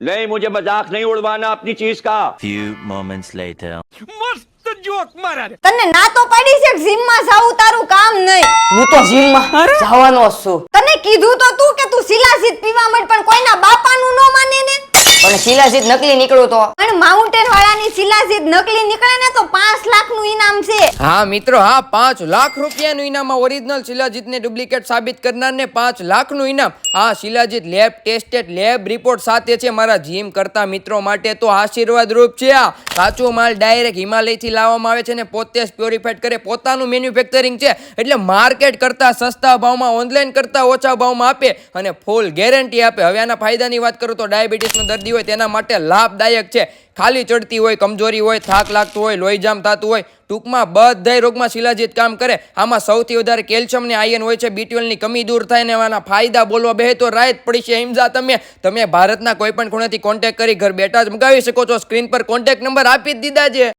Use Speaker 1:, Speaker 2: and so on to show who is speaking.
Speaker 1: नहीं, मुझे मजाक नहीं उड़वाना अपनी चीज का।
Speaker 2: Few moments later.
Speaker 3: મસ્ત જોક મારા રે.
Speaker 4: તને ના તો પડી છે કે જીમમાં જાવું તારું કામ નહીં.
Speaker 5: હું તો જીમમાં જવાનો જ છું.
Speaker 4: તને કીધું તો તું કે તું શિલાજીત પીવા માંડ, પણ કોઈના બાપાનું ન માને ને.
Speaker 5: પણ શિલાજીત નકલી નીકળ્યો તો.
Speaker 4: અને માઉન્ટેન વાળાની શિલાજીત નકલી નીકળે ને તો 5 લાખનું ઇનામ છે.
Speaker 6: હા મિત્રો, હા, 5 લાખ રૂપિયાનું ઇનામ. ઓરિજિનલ શિલાજીતને ડુપ્લિકેટ સાબિત કરનારને 5 લાખનું ઇનામ. હા, shilajit lab tested lab report સાથે છે. મારા જીમ કરતા મિત્રો માટે તો આશીર્વાદ રૂપ છે. આ કાચો માલ ડાયરેક્ટ હિમાલયથી લાવવામાં આવે છે ને પોતે જ પ્યોરિફાઈડ કરે. પોતાનું મેન્યુફેક્ચરિંગ છે એટલે માર્કેટ કરતા સસ્તા ભાવમાં, ઓનલાઈન કરતા ઓછા ભાવમાં આપે અને ફૂલ ગેરંટી આપે. હવે આના ફાયદાની વાત કરું તો ડાયાબિટીસનો દર્દી હોય તેના માટે લાભદાયક છે. ખાલી ચડતી હોય, કમજોરી હોય, થાક લાગતો હોય, લોહી જામ થતું હોય, ટૂંકમાં બધાય રોગમાં શિલાજીત કામ કરે. આમાં સૌથી વધારે કેલ્શિયમ ને આયર્ન હોય છે. B12 ની કમી દૂર થાય ને આના ફાયદા બોલવા બે તો રાહત પડી છે. હિમઝા તમે ભારતના કોઈ પણ ખૂણેથી કોન્ટેક્ટ કરી ઘર બેઠા જ મંગાવી શકો છો. સ્ક્રીન પર કોન્ટેક્ટ નંબર આપી જ દીધા છે.